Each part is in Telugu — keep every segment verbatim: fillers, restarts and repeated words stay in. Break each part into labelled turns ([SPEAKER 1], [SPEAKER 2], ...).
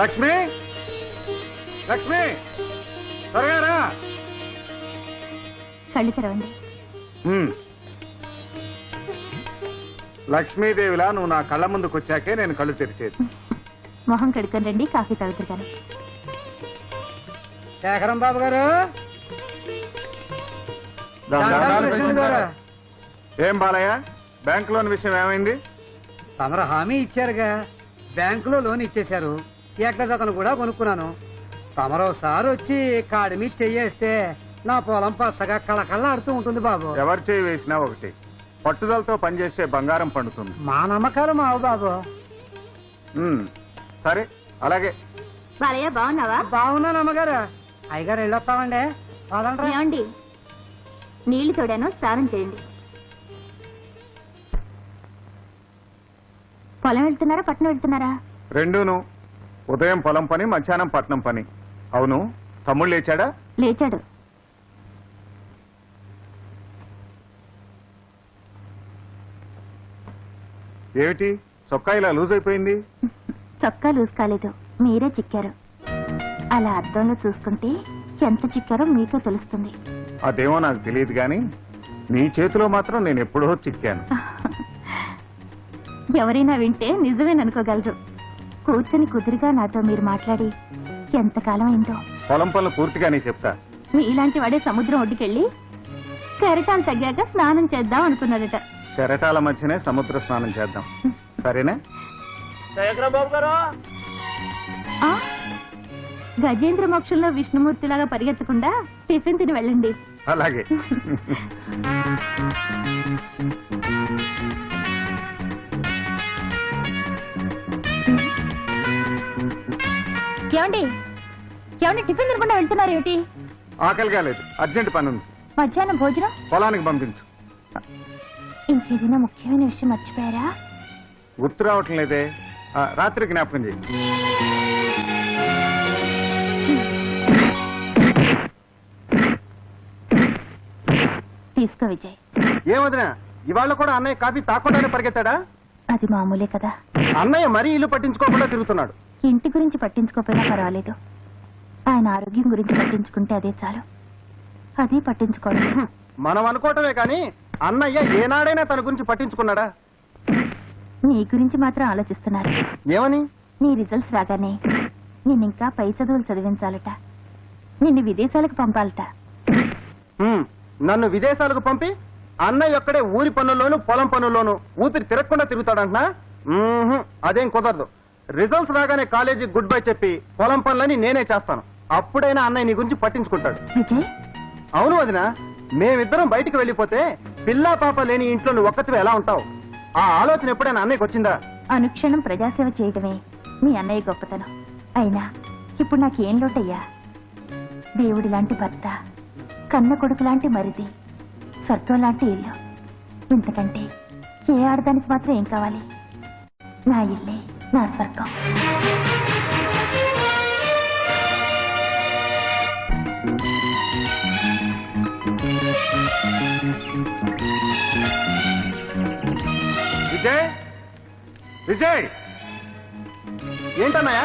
[SPEAKER 1] లక్ష్మి లక్ష్మి త్వరగా రా.
[SPEAKER 2] కళ్ళు తెరవండి.
[SPEAKER 1] ఉమ్. లక్ష్మీదేవిలా నువ్వు నా కళ్ళ ముందుకు వచ్చాకే నేను కళ్ళు తెరిచేది.
[SPEAKER 2] మొహం కడుక్కొని రండి, కాఫీ తాగుతారు కానీ.
[SPEAKER 3] శేఖరం బాబు గారు,
[SPEAKER 1] ఏం బాలయ్య, బ్యాంక్ లోన్ విషయం ఏమైంది?
[SPEAKER 3] తమరు హామీ ఇచ్చారుగా, బ్యాంకులో లోన్ ఇచ్చేశారు. ఏకజతను కూడా కొనుక్కున్నాను. తమరోసారి వచ్చి కాడి మీద చెయ్యేస్తే నా పొలం పచ్చగా కళకళ ఆడుతూ ఉంటుంది బాబు.
[SPEAKER 1] ఎవరు చేయి వేసినా ఒకటి, పట్టుదలతో పనిచేస్తే బంగారం పండుతుంది.
[SPEAKER 3] మా నమ్మకాలు మావు బాబు.
[SPEAKER 1] ఉమ్, సరే అలాగే.
[SPEAKER 2] బాలయ్య బాగున్నావా?
[SPEAKER 3] బాగున్నాను అమ్మగారు. అయ్యగారు వెళ్ళొస్తామండి.
[SPEAKER 2] ఏమండి, నీళ్లు తోడాను, స్నానం చేయండి. పొలం వెళ్తున్నారా పట్నం వెళ్తున్నారా?
[SPEAKER 1] రెండూను. ఉదయం పొలం పని, మధ్యాహ్నం పట్నం పని. అవును, తమ్ముళ్ళు లేచాడా?
[SPEAKER 2] లేచాడు.
[SPEAKER 1] ఏమిటి చొక్కా ఇలా లూజ్ అయిపోయింది?
[SPEAKER 2] చొక్కా లూజ్ కాలేదు, మీరే చిక్కారు. అలా అద్దంలో చూసుకుంటే ఎంత చిక్కారో మీకే తెలుస్తుంది.
[SPEAKER 1] అదేమో నాకు తెలియదు గాని నీ చేతిలో మాత్రం నేను ఎప్పుడో చిక్కాను.
[SPEAKER 2] ఎవరైనా వింటే నిజమేననుకోగలరు. కూర్చొని కుదురుగా నాతో మీరు మాట్లాడి ఎంతకాలం అయిందో.
[SPEAKER 1] పొలం పనులు పూర్తిగానే చెప్తా.
[SPEAKER 2] మీలాంటి వాడే సముద్రం ఒడ్డుకెళ్ళి కెరటాలు తగ్గాక స్నానం చేద్దాం అనుకున్నాడట.
[SPEAKER 1] కెరటాల మధ్యనే సముద్ర స్నానం చేద్దాం, సరేనా?
[SPEAKER 2] ఆ? గజేంద్ర మోక్షంలో విష్ణుమూర్తిలాగా పరిగెత్తకుండా టిఫిన్ తిని వెళ్ళండి.
[SPEAKER 1] అలాగే.
[SPEAKER 2] ఏమండి ఏమండి టిఫిన్ తినకుండా వెళ్తున్నారు ఏమిటి?
[SPEAKER 1] ఆకలి కాలేదు, అర్జెంట్ పని ఉంది.
[SPEAKER 2] మధ్యాహ్నం భోజనం
[SPEAKER 1] పొలానికి పంపించు.
[SPEAKER 2] ఇంకేదైనా ముఖ్యమైన విషయం మర్చిపోయారా?
[SPEAKER 1] గుర్తు రావటం లేదే. ఆ, రాత్రి జ్ఞాపకం చేయి.
[SPEAKER 2] తీసుకో విజయ్.
[SPEAKER 3] ఏమదినా, ఇవాళ కూడా అన్నయ్య కాఫీ తాకుండానే పరిగెత్తాడా?
[SPEAKER 2] అది మామూలే కదా.
[SPEAKER 3] అన్నయ్య మరీ ఇల్లు పట్టించుకోకుండా తిరుగుతున్నాడు.
[SPEAKER 2] ఇంటి గురించి పట్టించుకోకపోయినా పర్వాలేదు, ఆయన ఆరోగ్యం గురించి పట్టించుకుంటే అదే చాలు. అది పట్టించుకోవడం.
[SPEAKER 3] మనం అనుకోవటమే కానీ అన్నయ్య ఏనాడైనా తన గురించి పట్టించుకున్నాడా?
[SPEAKER 2] నీ గురించి మాత్రం ఆలోచిస్తున్నారు.
[SPEAKER 3] ఏమని?
[SPEAKER 2] నీ రిజల్ట్స్ రాగానే నిన్నింకా పై చదువులు చదివించాలట, నిన్ను విదేశాలకు పంపాలట.
[SPEAKER 3] హ్మ్, నన్ను విదేశాలకు పంపి అన్నయ్య ఒక్కడే ఊరి పనుల్లోనూ పొలం పనుల్లోనూ ఊపిరి తిరగకుండా తిరుగుతాడంటున్నా? మ్మ్హ్, అదేం కుదరదు. రిజల్ట్స్ రాగానే కాలేజీకి గుడ్ బై చెప్పి పొలం పనులని నేనే చేస్తాను. అప్పుడైనా అన్నయ్య నీ గురించి పట్టించుకుంటాడు.
[SPEAKER 2] విజయ్,
[SPEAKER 3] అవును వదినా, మేమిద్దరం బయటికి వెళ్ళిపోతే పిల్లా పాప లేని ఇంట్లో నువ్వు ఒక్కతివే ఎలా ఉంటావు? ఆ ఆలోచన ఎప్పుడైనా అన్నయ్యకి వచ్చిందా?
[SPEAKER 2] అనుక్షణం ప్రజాసేవ చేయడమే మీ అన్నయ్య గొప్పతనం. అయినా ఇప్పుడు నాకేం లోటయ్యా? దేవుడి లాంటి భర్త, కన్న కొడుకు లాంటి మరిది, స్వర్గం లాంటి ఇల్లు. ఇంతకంటే ఏ ఆడదానికి మాత్రం ఏం కావాలి? నా ఇల్లే నా స్వర్గం.
[SPEAKER 1] విజయ్, విజయ్,
[SPEAKER 3] ఏంటన్నయ్య?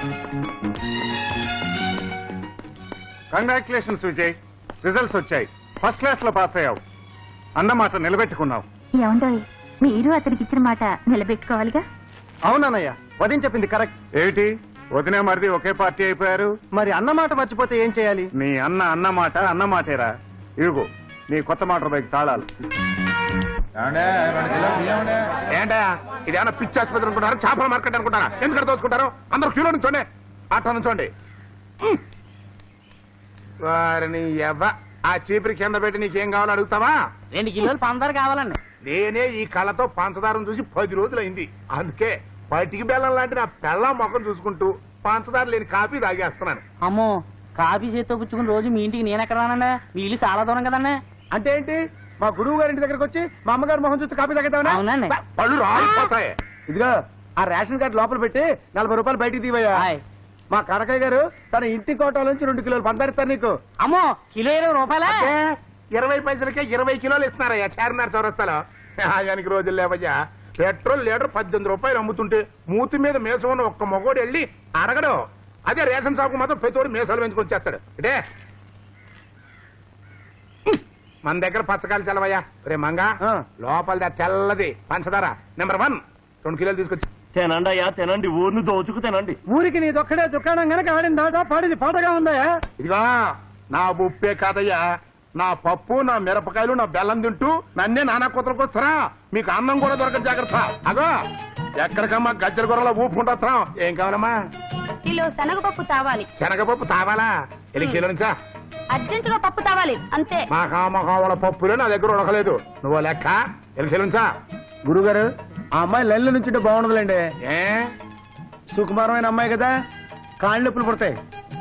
[SPEAKER 1] కంగ్రాచులేషన్స్ విజయ్, రిజల్ట్స్ వచ్చాయి. ఫస్ట్ క్లాస్ లో పాస్ అయ్యావు. అన్నమాట నిలబెట్టుకున్నావు.
[SPEAKER 2] ఏమండోయ్, మీరు అతనికి ఇచ్చిన మాట నిలబెట్టుకోవాలిగా.
[SPEAKER 3] అవునన్నయ్య, వదిన చెప్పింది కరెక్ట్.
[SPEAKER 1] ఏమిటి వదినే మరిది ఒకే పార్టీ అయిపోయారు?
[SPEAKER 3] మరి అన్నమాట మర్చిపోతే ఏం చేయాలి?
[SPEAKER 1] నీ అన్న అన్నమాట అన్నమాటేరా. ఇదిగో నీ కొత్త మోటార్ బైక్ తాళాలు. ఏంటా ఇదేమన్నా పిచ్చి ఆసుపత్రి అనుకుంటారా, చేపల మార్కెట్ అనుకుంటారా? ఎందుకంటే దోచుకుంటారు? అందరూ క్యూలో నుంచోండి, అట్లా నుంచోండి. వారిని ఎవ ఆ చీపురి కింద పెట్టి నీకేం కావాలో అడుగుతావా?
[SPEAKER 3] రెండు కిలోలు పంచదార కావాలండి.
[SPEAKER 1] నేనే ఈ కళ్ళతో పంచదారం చూసి పది రోజులైంది. అందుకే పటికి బెల్లం లాంటి నా పెళ్ళం మొఖం చూసుకుంటూ పంచదార లేని కాఫీ తాగేస్తున్నాను.
[SPEAKER 4] అమ్మో, కాఫీ చేత్తో పుచ్చుకుని రోజు మీ ఇంటికి నేను ఎక్కడ రానండి? మీ ఇల్లు చాలా దూరం కదండి.
[SPEAKER 3] అంటే ఏంటి? మా గురువు గారి ఇంటి దగ్గరకు వచ్చి మా అమ్మగారు మొహం చూస్తే కాపీ తాగేద్దామని?
[SPEAKER 4] అవునండి.
[SPEAKER 1] పళ్ళు రాలిపోతాయి.
[SPEAKER 3] ఇదిగో ఆ రేషన్ కార్డు లోపల పెట్టి నలభై రూపాయలు బయటికి తీవయ్యా.
[SPEAKER 4] హాయ్.
[SPEAKER 3] మా కనకయ్య గారు తన ఇంటి కోటల నుంచి రెండు కిలోలు పందారిస్తారు నీకు.
[SPEAKER 4] అమ్మో, కిలో ఇరవై రూపాయలా?
[SPEAKER 1] ఏ, ఇరవై పైసలకే ఇరవై కిలోలు ఇస్తున్నారయ్యా చార్మినార్ చౌరస్తాలో. ఆయనకి రోజులు లేవయ్యా. పెట్రోల్ లీటర్ పద్దెనిమిది రూపాయలు అమ్ముతుంటే మూతి మీద మేసం ఉన్న ఒక్క మగోడు వెళ్ళి అడగడు. అదే రేషన్ షాపు మాత్రం ప్రతివాడు మేసాలు పెంచుకొని చేస్తాడు. అంటే మన దగ్గర పచ్చకాయలు చల్లవయ్యా. రే మంగా లోపల తెల్లది పంచదార నెంబర్ వన్ రెండు కిలోలు తీసుకొచ్చి
[SPEAKER 5] తినండి అయ్యా తినండి, ఊరిని దోచుకు తినండి.
[SPEAKER 3] ఊరికి నీదొక్కడే దుకాణం గనక ఆడిందాట పాడిది పాటగా ఉందయా.
[SPEAKER 1] ఇదిగా నా ఉప్పే కాదయ్యా, నా పప్పు నా మిరపకాయలు నా బెల్లం తింటూ నన్నే నానా కూతురికి వస్తారా? మీకు అన్నం కూడా దొరకదు, జాగ్రత్త. అగో ఎక్కడికమ్మా గజ్జల కూరలో ఊపు ఉంటున్నాం. ఏం కావాలమ్మా?
[SPEAKER 2] కిలో శనగపప్పు తావాలి.
[SPEAKER 1] శనగపప్పు తావాలా? ఎల్లి కిలో నుంచా?
[SPEAKER 2] అర్జెంటుగా పప్పు తావాలి అంతే.
[SPEAKER 1] మా కామకావల పప్పులే నా దగ్గర ఉడకలేదు. నువ్వు లెక్క ఎల్లి కిలో నుంచా?
[SPEAKER 3] గురుగారు ఆ అమ్మాయి లెల్లు నుంచి బాగుండదులేండి.
[SPEAKER 1] ఏ
[SPEAKER 3] సుకుమారమైన అమ్మాయి కదా, కాళ్ళు నొప్పులు పుడతాయి.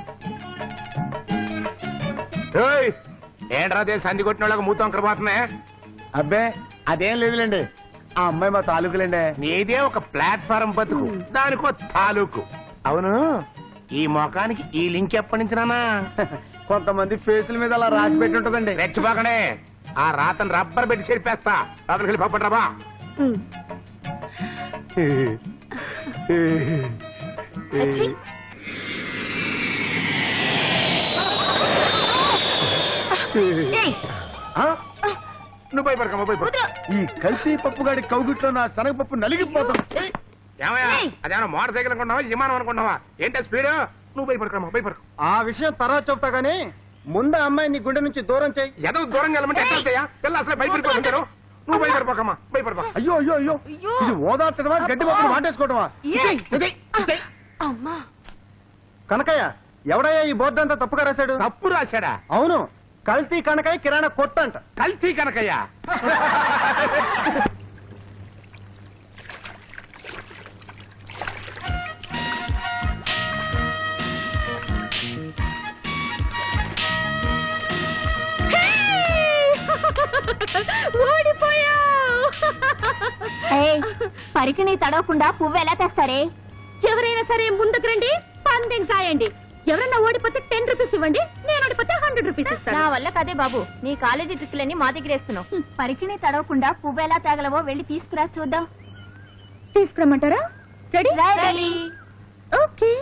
[SPEAKER 1] ఏయ్, ఏంట్రా అదే సంధి కొట్టిన వాళ్ళకి మూతం పోతున్నాయి.
[SPEAKER 3] అబ్బే అదేం లేదులేండి, ఆ అమ్మాయి మా తాలూకులేండి.
[SPEAKER 1] నీదే ఒక ప్లాట్ఫారం బతుకు, దానికో తాలూకు. అవును, ఈ మొఖానికి ఈ లింక్ ఎప్పటి నుంచి నానా?
[SPEAKER 3] కొంతమంది ఫేసుల మీద అలా రాసి పెట్టి ఉంటదండి.
[SPEAKER 1] రెచ్చిపోకనే, ఆ రాతను రబ్బర్ పెట్టి చెరిపేస్తా. రాత్రికి వెళ్ళి పప్పటి రాబా.
[SPEAKER 2] అచ్చి. ఏయ్,
[SPEAKER 3] ఆ?
[SPEAKER 1] నువ్వు భయపడకమ్మా, భయపడ.
[SPEAKER 2] వదరు.
[SPEAKER 3] ఈ కల్తీ పప్పుగాడి కౌగిట్లో నా శనగపప్పు నలిగిపోతుంది. ఛీ!
[SPEAKER 1] ఏమయ్యా,
[SPEAKER 2] ఏయ్.
[SPEAKER 1] అదేమన్నా మోటార్ సైకిల్ అనుకుంటున్నావా, విమానం అనుకుంటున్నావా? ఏంటో స్పీడ్? నువ్వు భయపడకమ్మా, భయపడకు.
[SPEAKER 3] ఆ విషయం తర్వాత చెప్తా గానీ ముందు ఆ అమ్మాయి నీ గుండె నుంచి దూరం చేయి.
[SPEAKER 1] ఏదో దూరంగా వెళ్ళమంటే ఎట్లా వెళ్తాయా? పిల్ల అసలే భయపడిపోతుంటారు. నువ్వు భయపడిపోకమ్మా, భయపడపా.
[SPEAKER 3] అయ్యో అయ్యో అయ్యో
[SPEAKER 2] అయ్యో.
[SPEAKER 3] ఇది ఓదార్చడమా గడ్డి పప్పులు వాటేసుకోవటమా?
[SPEAKER 2] ఏయ్.
[SPEAKER 1] ఇదే, ఇదే.
[SPEAKER 2] అమ్మా.
[SPEAKER 3] కనకయ్య ఎవడయ్యా ఈ బోర్డు అంతా తప్పుగా రాశాడు?
[SPEAKER 1] తప్పు రాశాడా?
[SPEAKER 3] అవును, కల్తీ కనకయ్య కిరాణా కొట్టంట.
[SPEAKER 1] కల్తీ కనకయ్యా?
[SPEAKER 2] పరికిణి తడవకుండా పువ్వు ఎలా తెస్తారే? ఎవరైనా సరే ముందుకు రండి, పందెం కాయండి. ఎవరన్నా ఓడిపోతే టెన్ రూపీస్ ఇవ్వండి, నేను ఓడిపోతే హండ్రెడ్ రూపీస్ ఇస్తాను. నా వల్ల కదే బాబు, నీ కాలేజీ ట్రిప్లన్నీ మా దగ్గర వేస్తున్నావు. పరికిణి తడవకుండా పువ్వు ఎలా తేగలవో వెళ్ళి తీసుకురా చూద్దాం. తీసుకురమ్మంటారా? రెడీ? రెడీ. ఓకే.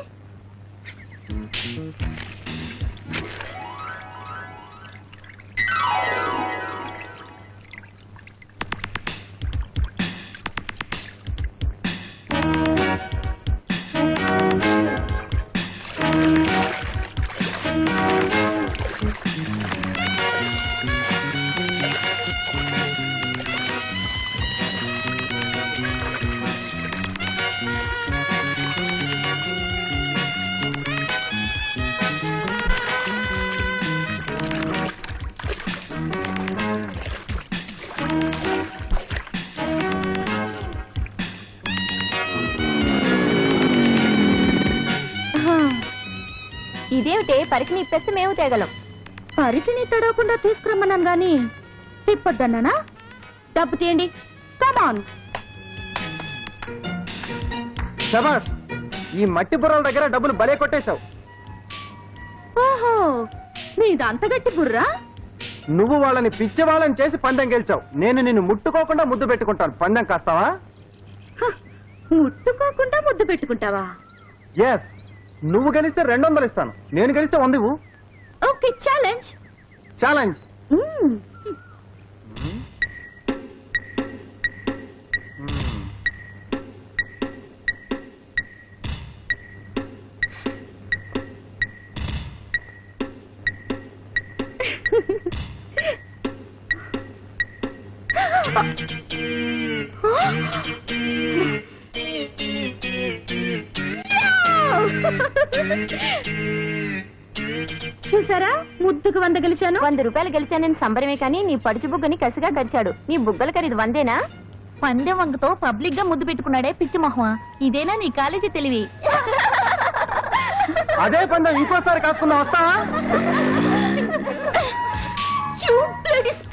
[SPEAKER 2] ఇదేమిటే, పరికిణి ఇప్పేస్తే మేము తేగలం. పరికిణి తడవకుండా తీసుకురమ్మన్నాను గాని తిప్పొద్దన్నానా? డబ్బు తీయండి, కమాన్.
[SPEAKER 3] శబాష్, ఈ మట్టి బుర్రల దగ్గర డబ్బులు భలే కొట్టేశావు.
[SPEAKER 2] ఓహో, నీది అంత గట్టి బుర్రా?
[SPEAKER 3] నువ్వు వాళ్ళని పిచ్చి వాళ్ళని చేసి పందెం గెలిచావు. నేను నిన్ను ముట్టుకోకుండా ముద్దు పెట్టుకుంటాను. పందెం కాస్తావా?
[SPEAKER 2] హ, ముట్టుకోకుండా ముద్దు పెట్టుకుంటావా?
[SPEAKER 3] ఎస్, నువ్వు గెలిస్తే రెండు వందలు ఇస్తాను, నేను గెలిస్తే వంద ఇవ్వు.
[SPEAKER 2] Okay, challenge.
[SPEAKER 3] ఛాలెంజ్.
[SPEAKER 2] మ్మ్. చూసారా, ముద్దుకు వంద గెలిచాను. వంద రూపాయలు గెలిచానని సంబరమే కానీ నీ పడుచు బుగ్గని కసిగా గరిచాడు. నీ బుగ్గల ఖరీదు వందేనా? పందెం వంగతో పబ్లిక్ గా ముద్దు పెట్టుకున్నాడే పిచ్చి మొహమా. ఇదేనా నీ కాలేజీ తెలివి?
[SPEAKER 3] అదే పందెం ఇంకోసారి కాసుకున్నా వస్తావా?
[SPEAKER 2] You bloody